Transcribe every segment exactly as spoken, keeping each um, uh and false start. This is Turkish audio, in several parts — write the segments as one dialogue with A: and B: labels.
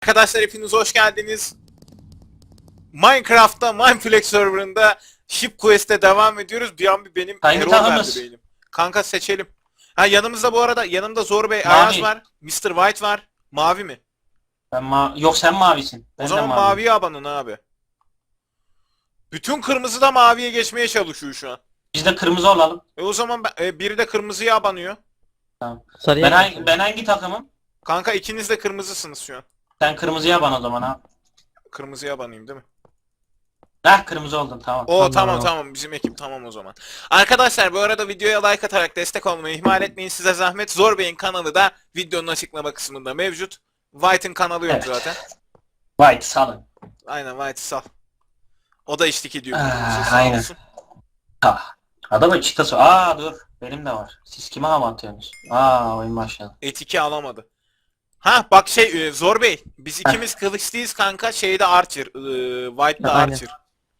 A: Arkadaşlar hepiniz hoş geldiniz. Minecraft'ta Mineflex serverında Ship Quest'e devam ediyoruz. Bir an bir benim
B: Hangi
A: error
B: takımız?
A: verdi beynim. Kanka seçelim. Ha yanımızda bu arada yanımda Zor Bey
B: Mavi.
A: Ayaz var. mister White var. Mavi mi?
B: Ben ma Yok sen mavisin. Ben
A: O
B: de
A: zaman
B: maviyim.
A: maviye abanın abi. Bütün kırmızı da maviye geçmeye çalışıyor şu an.
B: Biz de kırmızı olalım.
A: E o zaman ben- e, biri de kırmızıya abanıyor.
B: Tamam.
C: Sarıya
B: Ben hangi,
C: geçiyorum.
B: ben hangi takımım?
A: Kanka ikiniz de kırmızısınız şu an.
B: Sen kırmızıya ban o zaman ha.
A: Kırmızıya abanayım değil mi?
B: Heh kırmızı oldun tamam.
A: O tamam
C: Tamam.
A: tamam bizim ekip tamam o zaman. Arkadaşlar bu arada videoya like atarak destek olmayı ihmal etmeyin, size zahmet. Zor Bey'in kanalı da videonun açıklama kısmında mevcut. White'ın kanalı yok
B: Evet.
A: zaten.
B: White salın.
A: Aynen White sal. O da eşlik ediyor.
B: Ah,
A: birbirimize, sağ
B: aynen.
A: olsun.
B: Ha. Adamın çıtası. Aa dur. Benim de var. Siz kime hava atıyorsunuz? Aa oyun başladı.
A: Et iki alamadı. Ha bak şey e, Zor Bey biz ikimiz kılıçlıyız kanka, şeyde Archer. E, White'da
C: Ha, aynen.
A: Archer.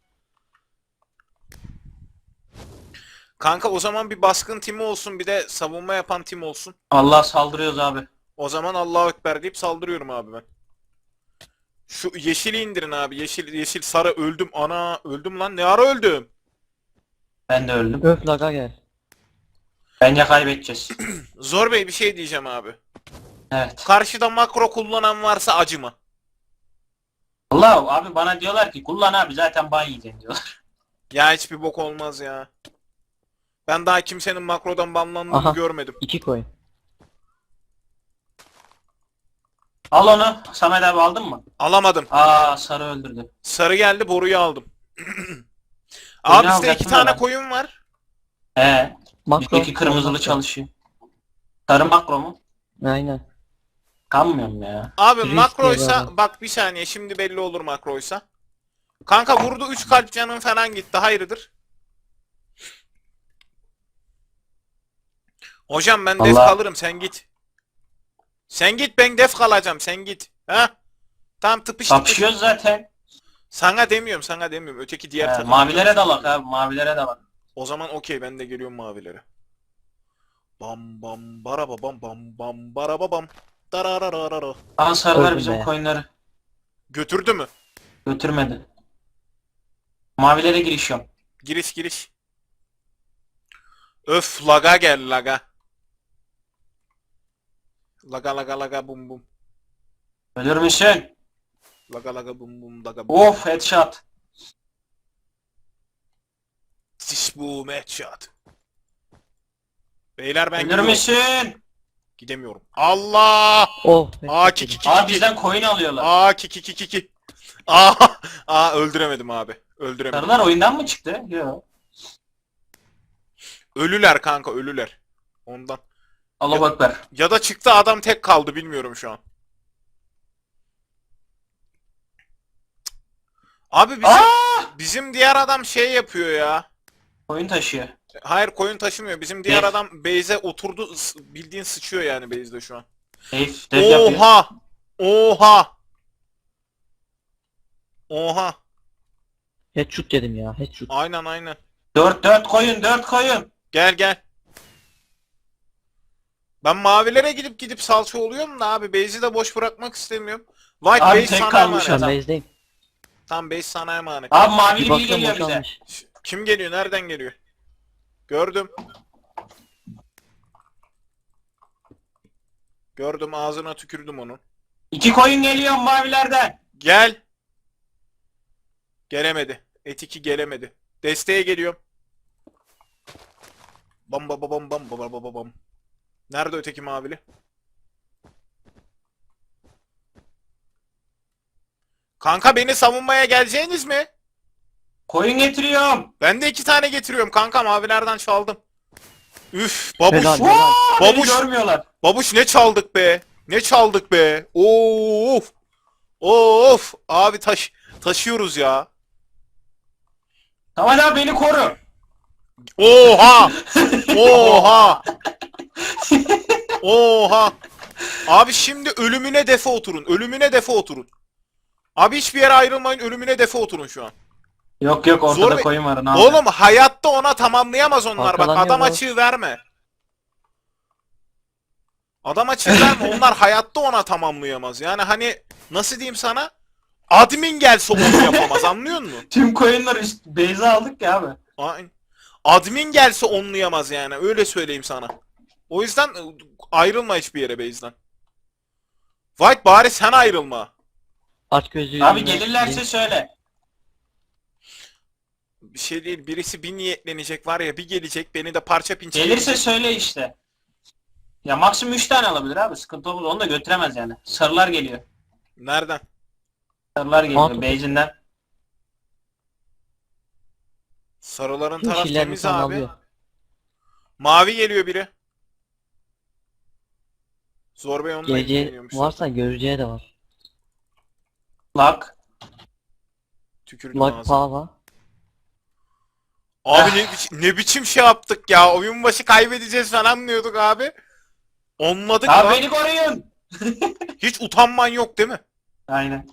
A: Kanka o zaman bir baskın timi olsun, bir de savunma yapan tim olsun.
B: Allah saldırıyoruz abi.
A: O zaman Allahu Ekber deyip saldırıyorum abi ben. Şu yeşili indirin abi. Yeşil yeşil sarı öldüm. Ana öldüm lan. Ne ara öldüm?
B: Ben de öldüm.
C: Öf laga gel.
B: Bence kaybedeceğiz.
A: Zor Bey bir şey diyeceğim abi.
B: Evet.
A: Karşıda makro kullanan varsa acıma.
B: Allah abi bana diyorlar ki kullan abi zaten ban yiyeceksin diyorlar.
A: Ya hiçbir bok olmaz ya. Ben daha kimsenin makrodan banlandığını
C: Aha.
A: görmedim.
C: İki koyun.
B: Al onu. Samet abi aldın mı?
A: Alamadım.
B: Aa sarı öldürdü.
A: Sarı geldi, boruyu aldım. Abi bizde
B: alacaktım
A: iki
B: da
A: tane
B: ben.
A: koyun var.
B: Ee,
C: Makro.
B: bizdeki kırmızılı çalışıyor. Sarı makro mu?
C: Aynen.
B: Kanmıyorum ya.
A: Abi
C: Risk
A: makroysa
C: diye
A: bak bir saniye, şimdi belli olur makroysa. Kanka vurdu, üç kalp canın falan gitti. Hayırdır? Hocam ben def
B: Allah.
A: kalırım, sen git. Sen git, ben def kalacağım, sen git. Ha? Tam tıpış tıpış.
B: Kapışıyoruz zaten.
A: Sana demiyorum, sana demiyorum. Öteki diğer
B: He,
A: takım.
B: mavilere dalak abi mavilere dalak.
A: O zaman okey, ben de geliyorum mavilere. Bam bam baraba bam bam bam baraba bam. Darararara.
B: Aa sarılar
C: Öldüm
B: bizim
C: be.
B: coinleri
A: Götürdü mü?
B: götürmedi. Mavilere girişiyorum.
A: Giriş giriş. Öf laga gel laga. Laga laga laga bum bum.
B: Ölür müsün?
A: Laga laga bum bum laga bum.
B: Of headshot.
A: Diş bu headshot. Beyler ben
B: Ölür
A: gidiyorum.
B: müsün?
A: Gidemiyorum. Allah!
C: Oh.
A: Aa ki ki ki
B: Aa
A: ki.
B: bizden coin alıyorlar.
A: Aa ki ki ki ki ki. Aa, aa öldüremedim abi. Öldüremedim.
B: Sarılar oyundan mı çıktı? Yok.
A: Ölüler kanka, ölüler. Ondan.
B: Allah ekber.
A: Ya da çıktı, adam tek kaldı, bilmiyorum şu an. Abi bizim,
B: Aa!
A: bizim diğer adam şey yapıyor ya.
B: Oyun taşıyor.
A: Hayır, koyun taşımıyor. Bizim diğer
B: Def.
A: adam base'e oturdu, s- bildiğin sıçıyor yani base'de şu an.
B: Def, def yapıyor.
A: Oha! Oha! Oha!
C: Headshot dedim ya. Headshot.
A: Aynen aynen.
B: Dört dört koyun dört koyun.
A: Gel gel. Ben mavilere gidip gidip salça oluyorum da abi, base'i de boş bırakmak istemiyorum. White
B: Abi
A: base
B: tek
A: sana
B: kalmış
A: emanet.
C: Ben
B: adam.
C: base'deyim.
A: Tam base sana emanet.
B: Abi
C: Bir
B: mavili biri
C: bakıyorum
B: geliyor bize.
C: boşalmış.
A: Ş- Kim geliyor? Nereden geliyor? Gördüm. Gördüm, ağzına tükürdüm onun.
B: İki koyun geliyor mavilerden.
A: Gel. Gelemedi. Et iki gelemedi. Desteğe geliyorum. Bam bam bam bam bam bam bam bam. Nerede öteki mavili? Kanka beni savunmaya geleceğiniz mi?
B: Koyun getiriyorum.
A: Ben de iki tane getiriyorum kanka, mavilerden çaldım. Üf babuş.
C: Helal.
B: Vaa! Beni
A: Babuş.
B: görmüyorlar.
A: Babuş ne çaldık be? Ne çaldık be? Of. Of. Abi taş taşıyoruz ya.
B: Tamam abi beni koru.
A: Oha! Oha! Oha! Abi şimdi ölümüne defe oturun. Ölümüne defe oturun. Abi hiçbir yere ayrılmayın. Ölümüne defe oturun şu an.
B: Yok yok ortada
A: Zor be-
B: koyun var. Ne
A: Oğlum
B: yapayım?
A: hayatta ona tamamlayamaz onlar. Bak
C: Arkalanıyor
A: adam
C: bu.
A: açığı verme. Adama çizer mi? Onlar hayatta ona tamamlayamaz. Yani hani nasıl diyeyim sana? Admin gelse onu yapamaz, anlıyor musun?
B: Tüm coin'ları üst base'e aldık ya abi.
A: Aynen. Admin gelse onlayamaz yani, öyle söyleyeyim sana. O yüzden ı, ayrılma hiçbir yere base'den. White bari sen ayrılma.
C: Aç gözlüğü.
B: Abi gelirlerse söyle.
A: Bir şey değil, birisi bir niyetlenecek var ya, bir gelecek beni de parça pinçe
B: Gelirse
A: edecek.
B: söyle işte. Ya maksimum üç tane alabilir abi. Sıkıntı olmaz. Onu da götüremez yani. Sarılar geliyor.
A: Nereden?
B: Sarılar geliyor
C: Mantıklı.
B: base'inden.
A: Sarıların taraf
C: Yeşiller
A: temiz
C: falan
A: abi.
C: alıyor.
A: Mavi geliyor biri. Zor Bey onunla
C: Geleceği
A: ilgileniyormuş.
C: varsa göreceği de var.
B: Lak.
A: Tükürdüm
C: Like
A: ağzına.
C: Pava.
A: Abi ne, biçim, ne biçim şey yaptık ya. Oyun başı kaybedeceğiz falan diyorduk abi. Onladık
B: Abi
A: lan.
B: beni koruyun.
A: Hiç utanman yok değil mi?
B: Aynen.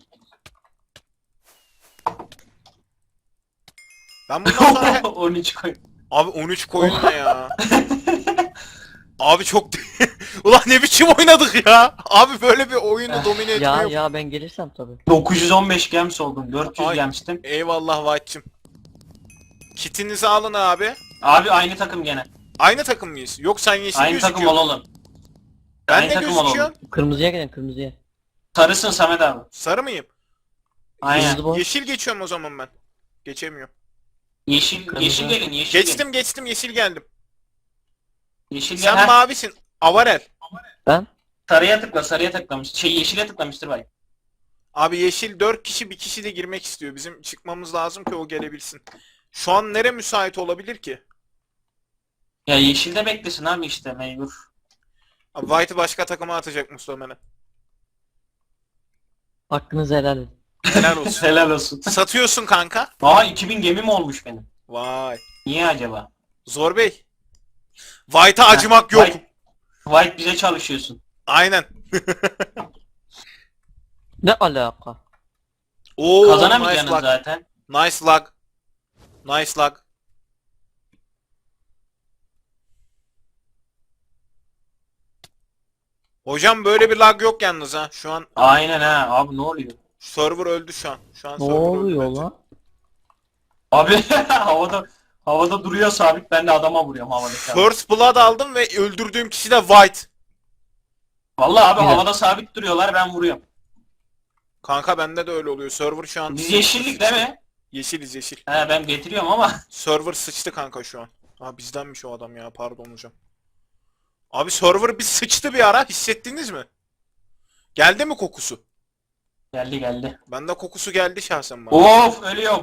A: Ben bundan sonra... he-
B: on üç koyun.
A: Abi on üç koyun ne ya? Abi çok... Ulan ne biçim oynadık ya? Abi böyle bir oyunu domine etme
C: Ya
A: yok.
C: ya ben gelirsem tabii.
B: dokuz yüz on beş gems oldum. dört yüz
A: Ay.
B: gemstim.
A: Eyvallah White'cim. Kitinizi alın abi.
B: Abi aynı takım gene.
A: Aynı takım mıyız? Yok sen yeşil
B: Aynı takım
A: gözüküyorsun.
B: olalım.
A: Ben
B: aynı
A: de
B: takım
A: gözüküyorum.
B: olalım.
C: Kırmızıya gidin kırmızıya.
B: Sarısın Samet abi.
A: Sarı mıyım?
B: Aynen.
C: Kırmızı boş.
A: Yeşil geçiyorum o zaman ben. Geçemiyorum.
B: Yeşil,
C: Kırmızı.
B: yeşil gelin yeşil gelin.
A: Geçtim geçtim yeşil geldim.
B: Yeşil gel.
A: Sen
B: Heh,
A: mavisin. Avarel.
C: Ben
B: sarıya tıkla sarıya tıklamış. Şey yeşile tıklamıştır bak.
A: Abi yeşil dört kişi, bir kişi de girmek istiyor. Bizim çıkmamız lazım ki o gelebilsin. Şu an nere müsait olabilir ki?
B: Ya yeşilde beklesin abi işte mecbur.
A: Abi White'ı başka takıma atacak muhtemelen.
C: hakkınızı helal edin.
A: Helal olsun.
B: Helal olsun.
A: Satıyorsun kanka.
B: Aa iki bin gemim olmuş benim.
A: Vay.
B: Niye acaba?
A: Zor Bey. White'a acımak yok.
B: White, White bize çalışıyorsun.
A: Aynen.
C: Ne alaka?
A: Oo, nice
B: Kazanamayacaksın
A: luck.
B: zaten.
A: Nice luck. Nice luck. Hocam böyle bir lag yok yalnız ha. Şu an
B: Aynen ha. Abi ne oluyor?
A: server öldü şu an. Şu an
C: Ne
A: server öldü
C: oluyor
A: bence.
C: lan?
B: Abi havada havada duruyor sabit ben de adama vuruyorum havada.
A: First blood aldım ve öldürdüğüm kişi de White.
B: Vallahi abi
C: Güzel.
B: havada sabit duruyorlar ben vuruyorum.
A: Kanka bende de öyle oluyor. Server şu an...
B: Biz yeşillik değil mi?
A: Yeşiliz yeşil.
B: He ben getiriyorum ama.
A: Server sıçtı kanka şu an. Ha bizdenmiş o adam ya, pardon hocam. Abi server bir sıçtı bir ara, hissettiniz mi? Geldi mi kokusu?
B: Geldi geldi.
A: Bende kokusu geldi şahsen bana.
B: Of ölüyorum.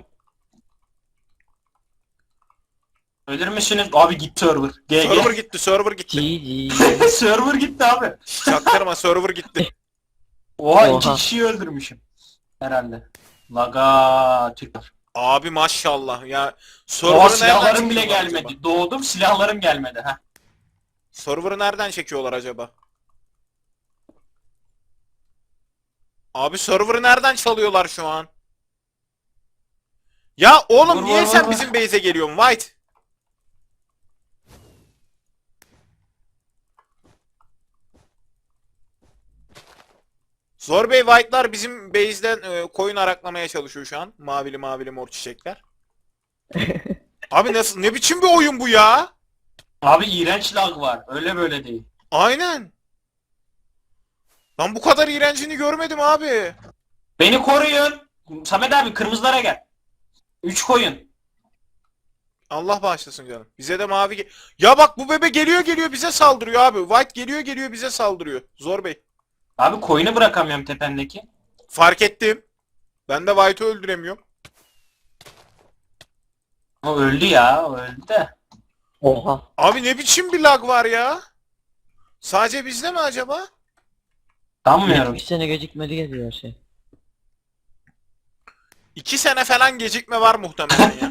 B: Ölür müsünüz? Abi gitti server. G G.
A: Server gitti, server gitti.
C: G G.
B: server gitti abi.
A: Çaktırma, server gitti.
B: Oha,
C: Oha.
B: iki kişiyi öldürmüşüm. Herhalde. Laga Türkler.
A: Abi maşallah ya.
B: Oha
A: Server'ı nereden
B: silahlarım bile
A: çekiyorlar
B: gelmedi.
A: acaba?
B: Doğdum silahlarım gelmedi. ha.
A: Server'ı nereden çekiyorlar acaba? Abi server'ı nereden çalıyorlar şu an? Ya oğlum
B: Vur,
A: niye
B: vur,
A: sen
B: vur,
A: bizim base'e geliyorsun White? Zor Bey, White'lar bizim base'den e, koyun araklamaya çalışıyor şu an. Mavili mavili mor çiçekler. Abi nasıl, ne biçim bir oyun bu ya?
B: Abi iğrenç lag var. Öyle böyle değil.
A: Aynen. Ben bu kadar iğrencini görmedim abi.
B: Beni koruyun. Samet abi kırmızılara gel. Üç koyun.
A: Allah bağışlasın canım. Bize de mavi ge- Ya bak bu bebe geliyor geliyor bize saldırıyor abi. White geliyor geliyor bize saldırıyor. Zor Bey.
B: Abi koyunu bırakamıyorum tependeki.
A: Fark ettim. Ben de White'ı öldüremiyorum.
B: O öldü ya. O öldü de.
C: Oha.
A: Abi ne biçim bir lag var ya? Sadece bizde mi acaba?
B: Sanmıyorum.
C: yetmiş sene gecikmeli geliyor her şey.
A: İki sene falan gecikme var muhtemelen ya.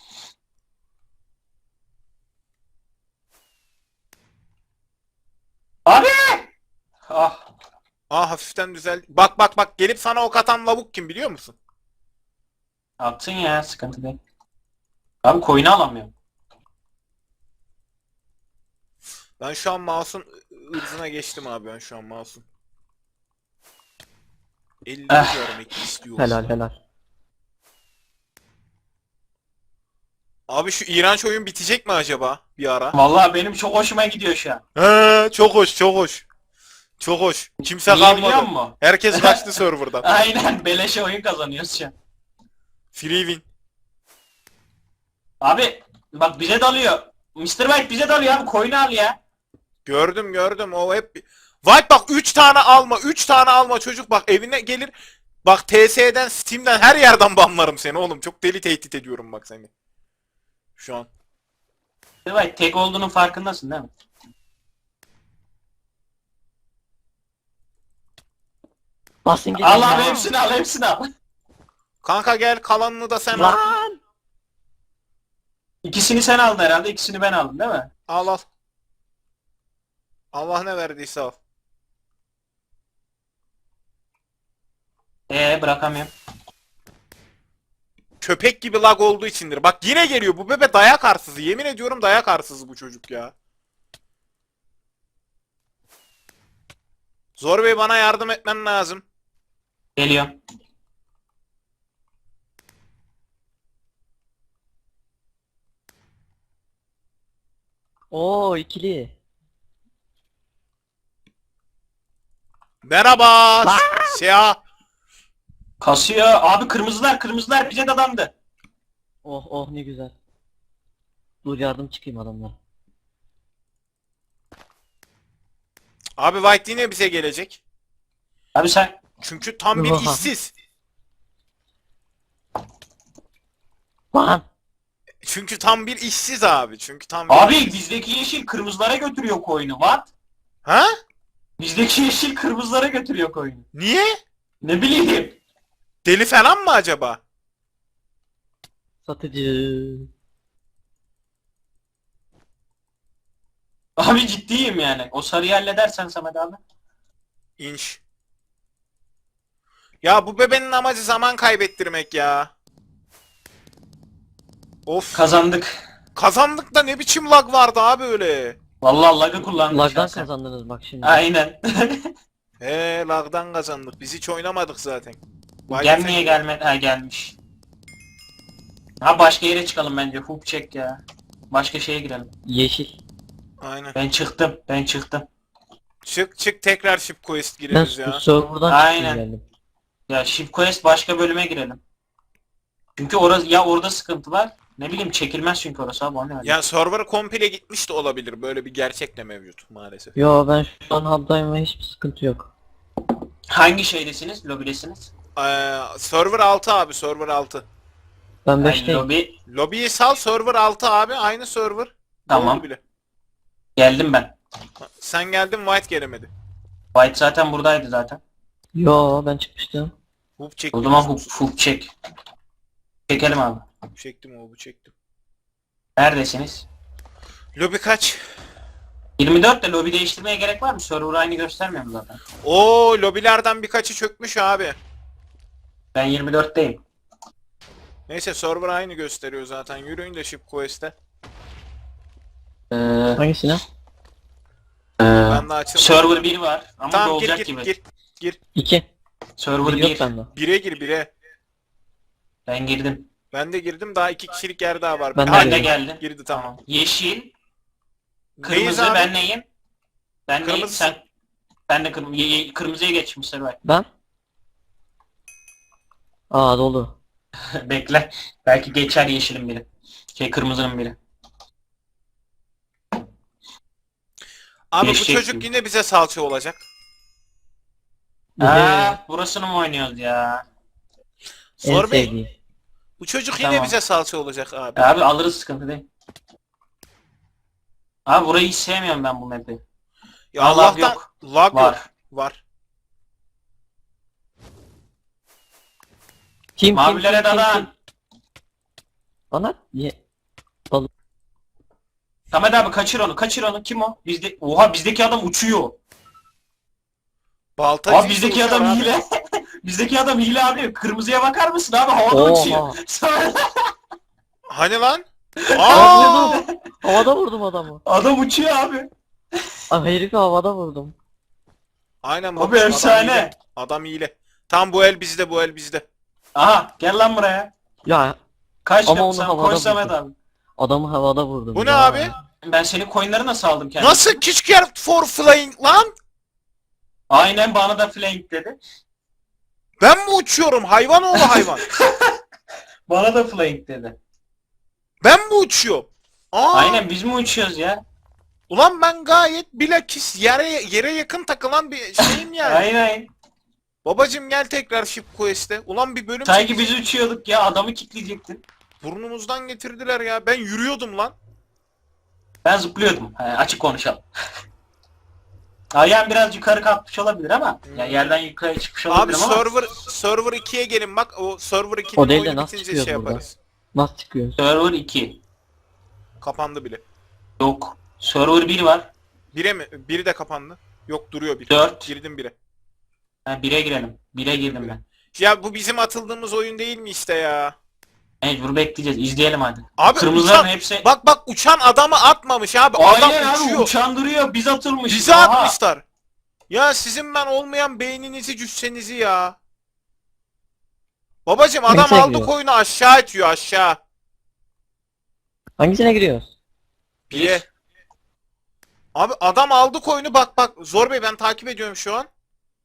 B: Abi! Ah.
A: Aa hafiften düzel. Bak bak bak, gelip sana ok atan lavuk kim biliyor musun?
B: Attın ya sıkıntı değil. Abi koyunu alamıyorum.
A: Ben şu an mouse'un ırzına geçtim abi, ben şu an mouse'un. elli
B: Eh.
A: görmek istiyorum.
C: Helal helal.
A: Abi şu iğrenç oyun bitecek mi acaba bir ara?
B: Vallahi benim çok hoşuma gidiyor şu an.
A: He, çok hoş, çok hoş. Çok hoş. Kimse
B: Niye biliyor
A: kalmadı.
B: musun?
A: Herkes kaçtı serverdan.
B: Aynen beleşe oyun kazanıyoruz şu an.
A: Free win.
B: Abi bak bize dalıyor. mister White bize dalıyor abi, coin'i al ya.
A: Gördüm gördüm, o hep... White bak, üç tane alma, üç tane alma çocuk, bak evine gelir. Bak T S'den, Steam'den, her yerden banlarım seni oğlum. Çok deli tehdit ediyorum bak seni. Şu an.
B: mister White tek olduğunun farkındasın değil mi?
C: Basın gidin
B: Al
C: ya.
B: abi hepsini al hepsini al.
A: Kanka gel, kalanını da sen al.
C: Lan.
B: İkisini sen aldın herhalde, ikisini ben aldım değil mi?
A: Al al. Allah ne verdiyse al.
B: Ee bırakamıyorum.
A: Köpek gibi lag olduğu içindir. Bak yine geliyor bu bebe, dayak arsızı. Yemin ediyorum dayak arsızı bu çocuk ya. Zor Bey, bana yardım etmen lazım.
B: Geliyor.
C: Oo ikili.
A: Merhaba. Siyah.
B: Kasıyor. Abi kırmızılar kırmızılar bize dadandı.
C: Oh oh ne güzel. Dur yardım çıkayım adamlara.
A: Abi White yine bize gelecek.
B: Abi sen
A: Çünkü tam bir
C: Oha.
A: işsiz.
C: Lan.
A: Çünkü tam bir işsiz abi. Çünkü tam bir
B: abi
A: işsiz.
B: bizdeki yeşil kırmızılara götürüyor coin'i. What?
A: Ha?
B: Bizdeki yeşil kırmızılara götürüyor coin'i.
A: Niye?
B: Ne bileyim.
A: Deli falan mı acaba?
C: Satıcı.
B: Abi ciddiyim yani. O sarıyı halledersen Samet abi.
A: İnş. Ya bu bebenin amacı zaman kaybettirmek ya. Of.
B: Kazandık.
A: Kazandık da ne biçim lag vardı abi öyle.
B: Vallahi lag'ı kullandık
C: Lagdan
B: şahsen.
C: kazandınız bak şimdi.
B: Aynen.
A: He, lagdan kazandık. Biz hiç oynamadık zaten. Vay
B: Gel
A: be.
B: niye gelmedi? Ha gelmiş. Ha başka yere çıkalım bence. Hook check ya. Başka şeye girelim.
C: Yeşil.
A: Aynen.
B: Ben çıktım. Ben çıktım.
A: Çık çık, tekrar ship quest
C: Ben
A: gireriz ya.
C: serverdan
B: Aynen.
C: çıktım geldim.
B: Ya Ship Quest başka bölüme girelim. Çünkü orası ya orada sıkıntı var. Ne bileyim çekilmez çünkü orası abi o ne öyle.
A: Ya server komple gitmiş de olabilir. Böyle bir gerçek de mevcut maalesef.
C: Yo ben şu an hub'dayım ve hiçbir sıkıntı yok.
B: Hangi şeydesiniz? Lobidesiniz?
A: Ee, server altı abi, server altı.
C: Ben
B: Yani
C: beşteyim.
B: lobi.
A: Lobiyi sal, server altı abi, aynı server.
B: Tamam.
A: Oldu bile.
B: Geldim ben.
A: Ha, sen geldin, White gelemedi.
B: White zaten buradaydı zaten.
C: Yo ben çıkmıştım.
A: Hub çektim.
B: O zaman hook, hook çek. Çekelim abi.
A: Çektim hub'u çektim.
B: Neredesiniz?
A: Lobi kaç?
B: yirmi dört de lobi değiştirmeye gerek var mı? Server aynı göstermiyor mu zaten?
A: Oo, lobilerden birkaçı çökmüş abi.
B: Ben yirmi dörtteyim.
A: Neyse, server aynı gösteriyor zaten. Yürüyün de ship quest'e.
B: Ee,
C: Hangisine?
B: e,
A: Ben de açılmadım.
B: server bir var ama
A: Tamam, gir
B: dolacak
A: gir
B: gibi.
A: gir. Gir.
C: İki.
B: Server
C: Bir yok
B: bir.
C: bende.
A: Bire gir, bire.
B: Ben girdim.
A: Ben de girdim, daha iki kişilik yer daha var.
C: Ben de
A: Ha,
B: Ben de
C: girdim.
B: geldim.
A: girdi tamam.
B: Yeşil,
A: Neyiz
B: kırmızı
A: abi?
B: ben neyim? Ben neyim?
A: Kırmızı.
B: Sen ben de kırm ye- ye- kırmızıya geçmiş Servay.
C: Ben? Aa dolu.
B: Bekle. Belki geçer yeşilin biri. Şey kırmızının biri.
A: Abi bu
B: Geçecek
A: çocuk
B: gibi.
A: yine bize salça olacak.
B: Aa, burasını mı oynuyoruz ya?
C: En
A: Zor Bey,
C: sevdiğim.
A: bu çocuk yine
B: Tamam.
A: bize salça olacak abi.
B: Abi alırız, sıkıntı değil. Abi burayı hiç sevmiyorum ben bu map'i.
A: Ya
B: Allah
A: Allah'tan
B: yok.
A: lag
B: Var.
A: yok. Var.
C: Kim kim
B: Mavilere
C: kim kim, kim?
B: dadan.
C: Bana ye.
B: Samet abi kaçır onu, kaçır onu. Kim o? Bizde Oha bizdeki adam uçuyor.
A: Baltacı
B: Abi bizdeki adam hile. bizdeki adam hile abi. Kırmızıya bakar mısın abi? Havada
C: Oha.
B: uçuyor.
A: Hani lan?
C: Aa!
A: Aa!
C: Vurdum. Havada vurdum adamı.
B: Adam uçuyor abi.
C: Ay herifi havada vurdum.
A: Aynen
B: Abi
A: babacım, adam
B: efsane.
A: hile. Adam hile. Tam bu el bizde, bu el bizde.
B: Aha gel lan buraya.
C: Ya
B: Kaç
C: Ama onu
B: yapsam
C: havada
B: koy Samet
C: vurdum.
B: abi.
C: adamı havada vurdum.
A: Bu ne
C: ya.
A: abi?
B: Ben senin coinleri nasıl aldım kendime?
A: Nasıl Kicker for flying lan?
B: Aynen bana da flank dedi.
A: Ben mi uçuyorum hayvan oğlu hayvan?
B: Bana da flank dedi.
A: Ben mi uçuyorum? Aa,
B: Aynen biz mi uçuyoruz ya?
A: ulan ben gayet bilakis yere yere yakın takılan bir şeyim yani.
B: Aynen.
A: Babacım gel tekrar Ship Quest'e. Ulan bir bölüm
B: Sanki
A: çekeceğiz.
B: biz uçuyorduk ya adamı kilitleyecektin.
A: Burnumuzdan getirdiler ya. Ben yürüyordum lan.
B: Ben zıplıyordum. He, açık konuşalım. Ayağım biraz yukarı kalkmış olabilir ama ya yerden yukarı çıkmış
A: Abi
B: olabilir ama
A: server server ikiye gelin bak. O server ikinin
C: O değil de
A: oyunu
C: nasıl
A: bitince
C: çıkıyor
A: şey
C: burada?
A: yaparız.
C: Nasıl çıkıyor?
B: server iki.
A: Kapandı bile.
B: Yok. Server bir var.
A: Bire mi? Biri de kapandı. Yok duruyor bir.
B: Dört.
A: Girdim bire.
B: Ha, bire girelim. Bire girdim ben.
A: Ya bu bizim atıldığımız oyun değil mi işte ya?
B: Mecbur bekleyeceğiz. İzleyelim hadi.
A: Abi
B: Kırmızıların
A: uçan,
B: hepsi...
A: bak bak uçan adamı atmamış abi. Adam
B: Aynen abi
A: uçuyor.
B: uçan duruyor. Biz atılmışız.
A: Bizi
B: Aha.
A: atmışlar. Ya sizin ben olmayan beyninizi cüssenizi ya. Babacım adam
C: Hangisine
A: aldı
C: giriyor?
A: koyunu aşağı itiyor aşağı.
C: Hangisine giriyoruz?
A: Bire. Abi adam aldı koyunu bak bak. Zor Bey ben takip ediyorum şu an.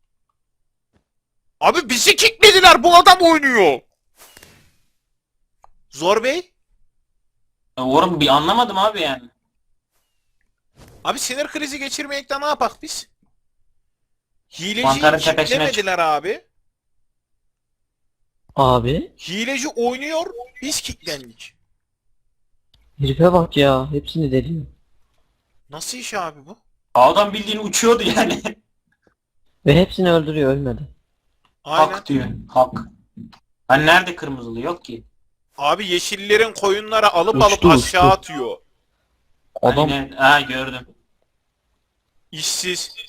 A: Abi bizi kicklediler, bu adam oynuyor. Zor Bey.
B: Ya Oğlum bir anlamadım abi yani.
A: Abi sinir krizi geçirmeyekten ne yapak biz? Hileciyi
B: Mantarın tepesine
A: kicklemediler abi.
C: Abi.
A: Hileci oynuyor, biz kicklendik.
C: Herife bak ya. Hepsini deliyor.
A: Nasıl iş abi bu?
B: Adam bildiğin uçuyordu yani.
C: Ve hepsini öldürüyor ölmedi.
A: Aynen.
B: Hak diyor. Hak. Hani nerede kırmızılı yok ki.
A: Abi yeşillerin koyunları alıp
C: Uçtu,
A: alıp aşağı
C: uçtu.
A: atıyor.
C: Adam
B: Aynen. Ha gördüm.
A: İşsiz.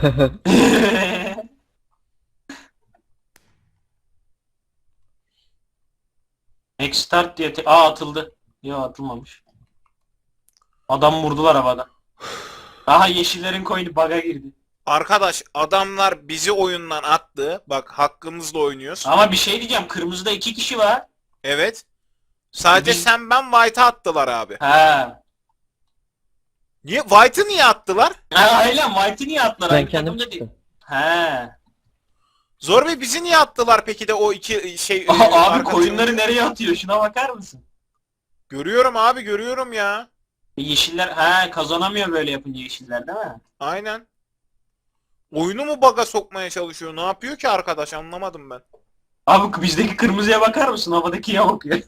B: Next start diye te- Aa atıldı. Yok atılmamış. Adam vurdular havada. Aha yeşillerin coin'i bug'a girdi.
A: Arkadaş adamlar bizi oyundan attı. Bak hakkımızla oynuyoruz.
B: Ama bir şey diyeceğim. Kırmızıda iki kişi var.
A: Evet. Sadece
B: Biz-
A: sen ben White'a attılar abi.
B: Ha.
A: Niye? White'ı niye attılar?
B: Ha aynen White'i niye attılar?
C: ben
B: Aynı
C: kendim
B: takımda değil.
C: çıktım.
B: He.
A: Zor Bey bizi niye attılar peki de o iki şey...
B: Aha,
A: e,
B: abi
A: arkadaşım-
B: koyunları nereye atıyor? Şuna bakar mısın?
A: Görüyorum abi görüyorum ya.
B: E, Yeşiller he kazanamıyor böyle yapınca yeşiller değil mi?
A: Aynen. Oyunu mu baga sokmaya çalışıyor? Ne yapıyor ki arkadaş? Anlamadım ben.
B: Abi bizdeki kırmızıya bakar mısın? Havadakiye bakıyor.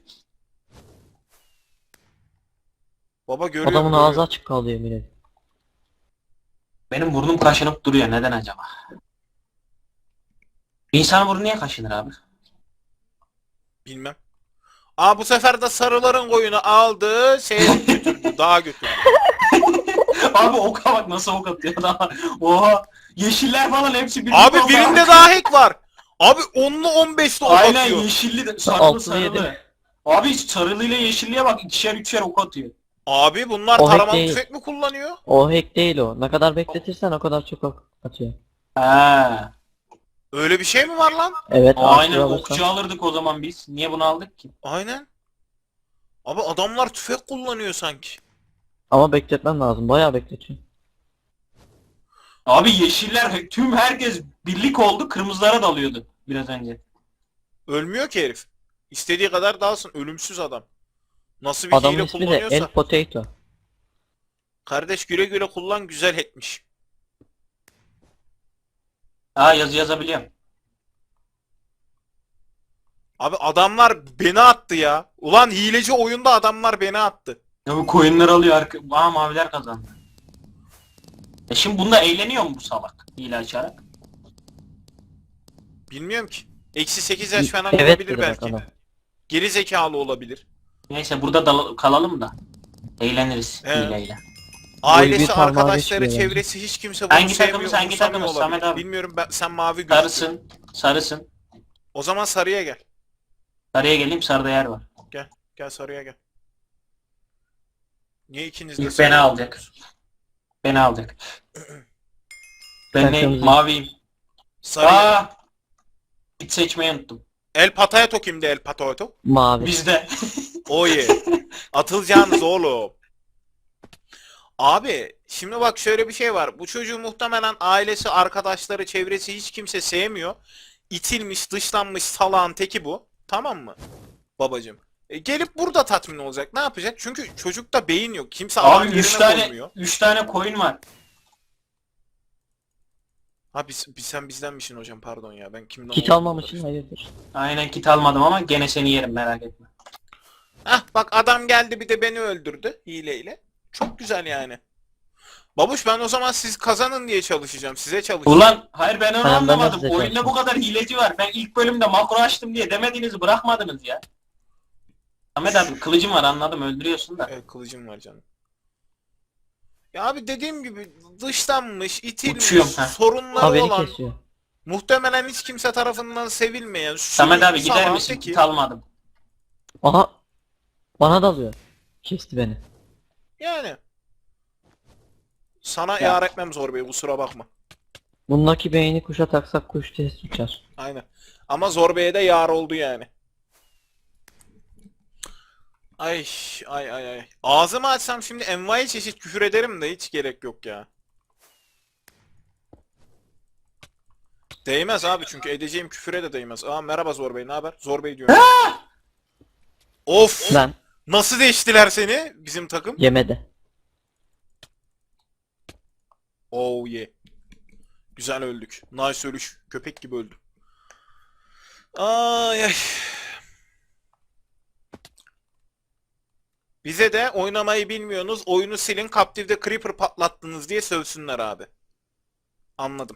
A: Baba görüyorum.
C: Adamın
A: görüyorum.
C: ağzı açık kaldı yemin ederim.
B: Benim burnum kaşınıp duruyor. Neden acaba? Bir insanın burnu niye kaşınır abi?
A: Bilmem. Aa bu sefer de sarıların koyunu aldı. Şeye götürdü. Dağa götürdü.
B: Abi oka bak nasıl ok atıyor daha. Oha. Yeşiller falan hepsi birlikte
A: Abi
B: oka
A: birinde
B: bak.
A: daha hack var. Abi onlu on beşli ok
B: Aynen
A: atıyor.
B: yeşilli de sarılı
C: Altılı
B: sarılı.
C: yedi.
B: Abi sarılıyla yeşilliye bak ikişer üçer ok atıyor.
A: Abi bunlar
C: O hack
A: taramalı
C: değil.
A: tüfek mi kullanıyor?
C: O hack değil o. Ne kadar bekletirsen o kadar çok ok atıyor.
B: Ha.
A: Öyle bir şey mi var lan?
C: Evet
B: Aynen
C: artı
B: okçu
C: alırsan.
B: alırdık o zaman biz. Niye bunu aldık ki?
A: Aynen. Abi adamlar tüfek kullanıyor sanki.
C: Ama bekletmen lazım. Bayağı bekletiyor.
B: Abi yeşiller tüm herkes birlik oldu kırmızılara dalıyordu biraz önce.
A: Ölmüyor ki herif. İstediği kadar dalsın. Ölümsüz adam. Nasıl bir
C: Adamın
A: hile
C: ismi de
A: kullanıyorsa.
C: El Potato.
A: Kardeş güle güle kullan, güzel etmiş.
B: Aa yazı yazabiliyorum.
A: Abi adamlar beni attı ya. Ulan hileci oyunda adamlar beni attı.
B: Ya bu coinler alıyor arka... Aa maviler kazandı. E şimdi bunda eğleniyor mu bu salak? Hile açarak.
A: Bilmiyorum ki. Eksi sekiz yaş falan
C: Evet
A: olabilir
C: dedi bak
A: belki.
C: adam.
A: Geri zekalı olabilir.
B: Neyse burada dal- kalalım da. Eğleniriz
A: Evet.
B: hileyle.
A: Ailesi,
C: parmağı
A: arkadaşları,
C: geçmiyor
A: çevresi hiç kimse bunu
B: Hangi
A: sevmiyor,
B: takımız, hangi
A: umursamıyor
B: takımız
A: olabilir.
B: Samet abi?
A: Bilmiyorum ben, sen mavi gözüküyorsun.
B: Sarısın. Sarısın.
A: O zaman sarıya gel.
B: Sarıya geleyim sarıda yer var.
A: Gel sarıya gel. Niye ikiniz de
B: İlk
A: sarıya
B: beni alacak.
A: gidiyorsunuz?
B: Beni alacak. Ben
C: Ben
B: ne?
C: kırmızı.
B: Maviyim.
A: Sarı.
B: Aa! Hiç seçmeyi unuttum.
A: El Patato kimdi El Patato?
C: Mavi.
B: Bizde.
A: Oye. Atılacağınız oğlum. Abi şimdi bak şöyle bir şey var. Bu çocuğu muhtemelen ailesi, arkadaşları, çevresi hiç kimse sevmiyor. İtilmiş, dışlanmış salağın teki bu. Tamam mı? Babacım. E, gelip burada tatmin olacak. Ne yapacak? Çünkü çocukta beyin yok. Kimse adam
B: Abi
A: yerine
B: üç tane
A: koymuyor.
B: üç tane koyun var.
A: Ha biz, biz sen bizdenmişsin hocam pardon ya. Ben kimden
C: Kit
A: olduğumu
C: almamışsın
A: karıştırdım.
C: hayırdır.
B: Aynen kit almadım ama gene seni yerim merak etme.
A: Hah bak adam geldi bir de beni öldürdü hileyle. Çok güzel yani. Babuş ben o zaman siz kazanın diye çalışacağım. Size çalışacağım.
B: Ulan hayır ben onu
C: Tamam, ben de
B: anlamadım.
C: size
B: Oyunda
C: çalışacağım.
B: bu kadar hileci var. Ben ilk bölümde makro açtım diye demediğinizi bırakmadınız ya. Ahmet abi kılıcım var anladım öldürüyorsun da.
A: Evet kılıcım var canım. Ya abi dediğim gibi dışlanmış, itilmiş,
B: Uçuyorum, ha.
A: sorunları
C: Ha beni
A: olan,
C: kesiyor.
A: muhtemelen hiç kimse tarafından sevilmeyen,
B: Samet abi
A: sürü
B: gider
A: saman
B: misin?
A: teki.
B: Kit almadım.
C: Aha. Bana dalıyor. Kesti beni.
A: Yani. Sana
B: Ya.
A: yar etmem zor bey kusura bakma.
C: Bundaki beyni kuşa taksak kuş test uçar.
A: Aynen. Ama zor beye de yar oldu yani. Ay ay ay ay. Ağzımı açsam şimdi envai çeşit küfür ederim de hiç gerek yok ya. Değmez abi çünkü edeceğim küfüre de değmez. Aa merhaba Zor Bey ne haber? Zor Bey diyorum. Of!
C: Ben
A: Nasıl değiştiler seni bizim takım?
C: yemede.
A: Oh yeah. Güzel öldük. Nice ölüş. Köpek gibi öldüm. Ay ay. Bize de oynamayı bilmiyorsunuz. Oyunu silin. Captive'de Creeper patlattınız diye sövsünler abi. Anladım.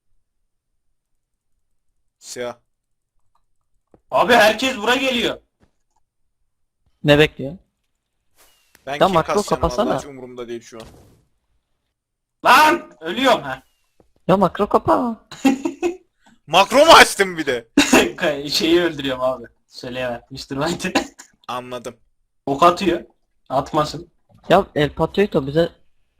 A: Siyah.
B: Abi herkes bura geliyor.
C: Ne bekliyor?
A: Ben
C: Ya
A: kim
C: makro
A: kasacağım
C: kapasana.
A: vallahi hiç umurumda değil şu an.
B: Lan ölüyorum ha.
C: Ya makro kapa.
A: Makro mu açtım bir de?
B: Şeyi öldürüyorum abi. Söyleyemem. mister White'ı.
A: Anladım.
B: Ok atıyor. Atmasın.
C: Ya El Patito bize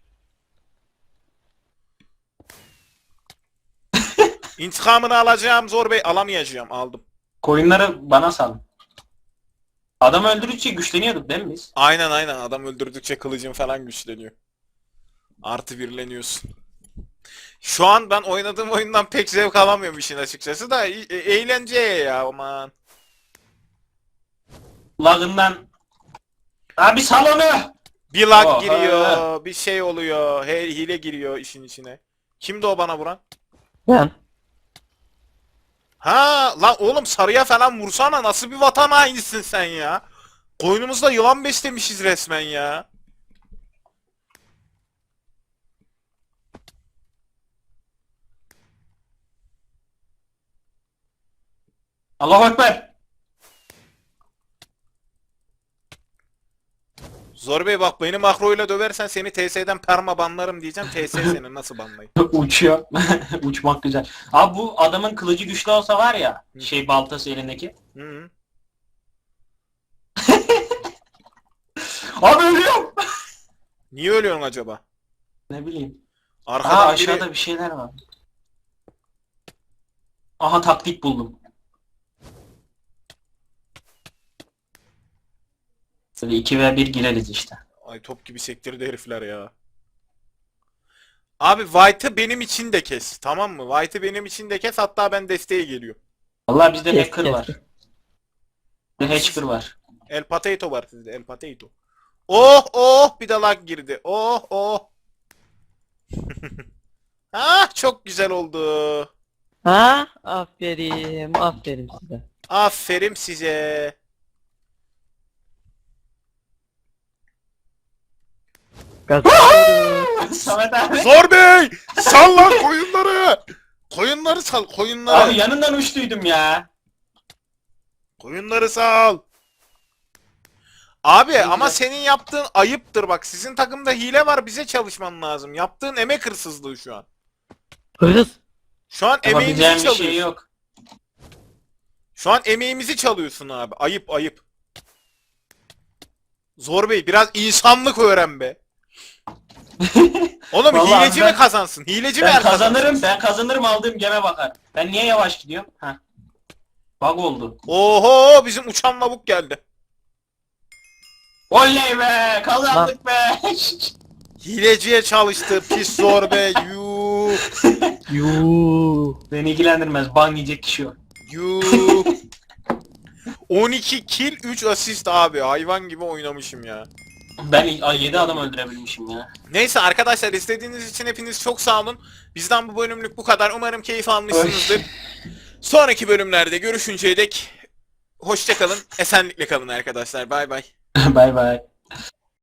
A: İntikamını alacağım Zor Bey. Alamayacağım. Aldım.
B: Koyunları bana salın. Adam öldürdükçe güçleniyorduk değil mi biz?
A: Aynen aynen. Adam öldürdükçe kılıcın falan güçleniyor. Artı birleniyorsun. Şu an ben oynadığım oyundan pek zevk alamıyorum işin açıkçası da e- e- eğlenceye ya aman.
B: Lagından. Abi sal onu.
A: Bir lag
B: Oha.
A: giriyor, bir şey oluyor, he, hile giriyor işin içine. Kimdi o bana vuran?
C: ben.
A: Ha lan oğlum sarıya falan vursana nasıl bir vatan hainisin sen ya? Koynumuzda yılan beslemişiz resmen ya.
B: Allahu Ekber.
A: Zor Bey bak beni makroyla döversen seni T S'den perma banlarım diyeceğim. T S seni nasıl banlayayım?
B: Uçuyor. Uçmak güzel. Abi bu adamın kılıcı güçlü olsa var ya. Şey baltası elindeki.
A: Hı -hı.
B: Abi ölüyorum.
A: Niye ölüyorsun acaba?
B: Ne bileyim.
A: Arkadan
B: Aa
A: biri...
B: aşağıda bir şeyler var. Aha taktik buldum. Böyle iki ve bir gireriz işte.
A: Ay top gibi sektirdi herifler ya. Abi White'ı benim için de kes. Tamam mı? White'ı benim için de kes hatta ben desteğe geliyor.
B: Vallahi bizde
C: Kes,
B: hacker
C: kes.
B: var. Bir hacker var.
A: El Potato var sizde El Potato. Oh oh bir de lag girdi. Oh oh. Ah çok güzel oldu.
C: Ha? Aferin. Aferin size.
A: Aferin size.
C: Kazanıyoruz.
B: Samet abi.
A: Zor Bey! Sal lan koyunları! Koyunları sal koyunları.
B: Abi yanından uçtuydum ya.
A: Koyunları sal. Abi
B: Ne
A: ama
B: güzel.
A: senin yaptığın ayıptır bak. Sizin takımda hile var bize çalışman lazım. Yaptığın emek hırsızlığı şu an.
C: Hırsız.
A: Şu an emeğimizi
B: Yapabileceğim bir
A: çalıyorsun.
B: şey yok.
A: Şu an emeğimizi çalıyorsun abi. Ayıp ayıp. Zor Bey biraz insanlık öğren be. Oğlum
B: Vallahi
A: hileci
B: ben-
A: mi kazansın? Hileci mi
B: Ben
A: er kazansın?
B: kazanırım, ben kazanırım aldığım geme bakar. Ben niye yavaş gidiyorum? Heh. Bug oldu.
A: Oho bizim uçan lavuk geldi.
B: Oley be! Kazandık be!
A: Hileciye çalıştı pis zorbe yuh
C: Yuuu.
B: Beni ilgilendirmez. Ban yiyecek kişi o.
A: yuh. on iki kill üç asist abi hayvan gibi oynamışım ya.
B: Ben yedi adam öldürebilmişim ya.
A: Neyse arkadaşlar izlediğiniz için hepiniz çok sağ olun. Bizden bu bölümlük bu kadar. Umarım keyif almışsınızdır. Sonraki bölümlerde görüşünceye dek hoşça kalın. Esenlikle kalın arkadaşlar. Bay bay.
B: Bay bay.